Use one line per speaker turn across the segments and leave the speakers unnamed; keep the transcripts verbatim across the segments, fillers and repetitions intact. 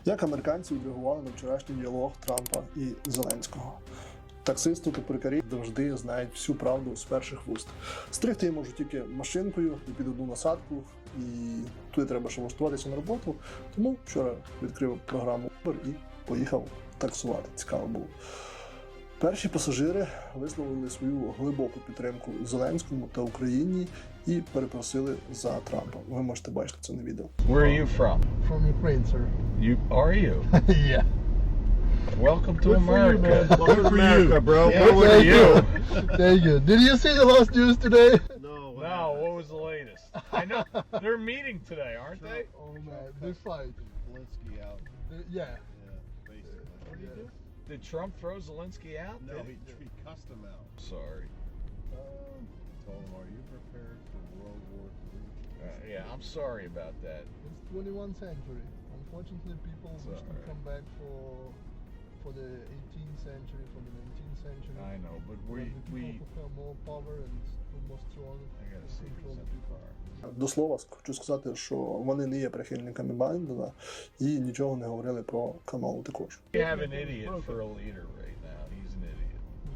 Як американці відреагували на вчорашній діалог Трампа і Зеленського? Таксисти та перукарі завжди знають всю правду з перших вуст. Стригти я можу тільки машинкою і під одну насадку, і туди треба ще влаштуватися на роботу. Тому вчора відкрив програму Uber і поїхав таксувати. Цікаво було. Перші пасажири висловили свою глибоку підтримку Зеленському та Україні і перепросили за Трампа. Ви можете бачити це на відео.
Where are you from?
From Ukraine, sir.
You are you?
Yeah.
Welcome to
Good for you,
America.
man.
Good for
America,
you,
bro.
Yeah,
Good
what
Thank
are you?
Thank you. Did you see the last news today?
No.
No, what was the latest? I know they're meeting today, aren't they?
Oh man, they fight.
Zelensky out.
They- yeah.
Yeah, basically.
What did he do? Did Trump throw Zelensky out?
No, he, he cussed him out.
Sorry.
Told him, "Are you prepared for World War Three?"
Uh, yeah, I'm sorry about that.
It's twenty-first century. Unfortunately, people
It's
wish to
alright.
come back for for the eighteenth century, for the nineteenth century.
I know, but we
When the
we.
people who have more power and who more strong
I gotta see
control
who's
the
in the
people.
car.
До слова, хочу сказати, що вони не є прихильниками Байдена і нічого не говорили про Камалу також.
We have an idiot for a leader right now. He's an idiot.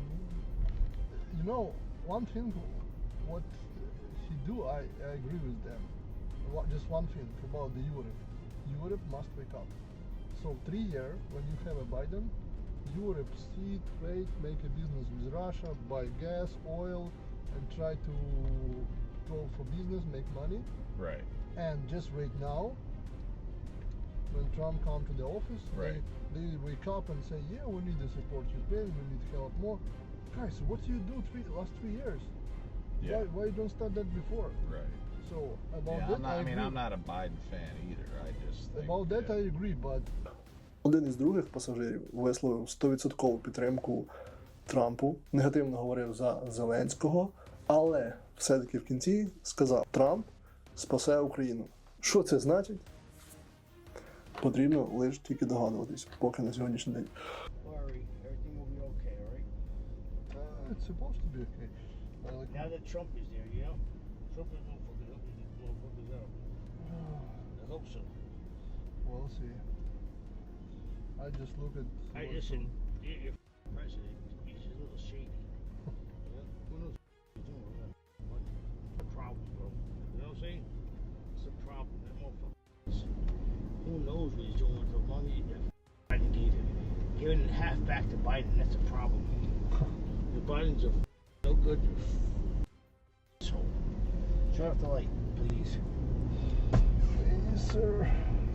You know, one thing, what he do, I, I agree with them. What- Just one thing about the Europe. Europe must wake up. So three year, when you have a Biden, Europe see trade, make a business with Russia, buy gas, oil, and try to go for business, make money.
Right.
And just right now, when Trump come to the office,
Right.
they, they wake up and say, yeah, we need to support Ukraine, we need help more. Guys, what do you do three last three years?
Yeah.
Why, why you don't start that before?
Right.
So about
Yeah,
that,
I'm not,
I,
I mean,
agree.
I'm not a Biden fan either. I just think,
About that,
yeah.
I agree, but
Один із других пасажирів висловив сто відсотків підтримку Трампу, негативно говорив за Зеленського, але все-таки в кінці сказав: Трамп спасе Україну. Що це значить? Потрібно лише тільки догадуватись, поки на сьогоднішній день.
Worry, everything will be okay, all right?
uh, it's supposed to be okay. Uh, like,
Now that Trump is there, you know? Trump is gonna fucking help these motherfuckers out. I hope so.
we'll see. I just look at.
I
what's
listen,
on-
your, your president, he's a little shady. Yeah? Who knows what he's doing with that money? It's a problem, bro. You know what I'm saying? It's a problem. That motherfucker. Who knows what he's doing with the money that Biden gave him? Giving half back to Biden, that's a problem. The Biden's a no good asshole. Turn off the light, please.
Yes, sir.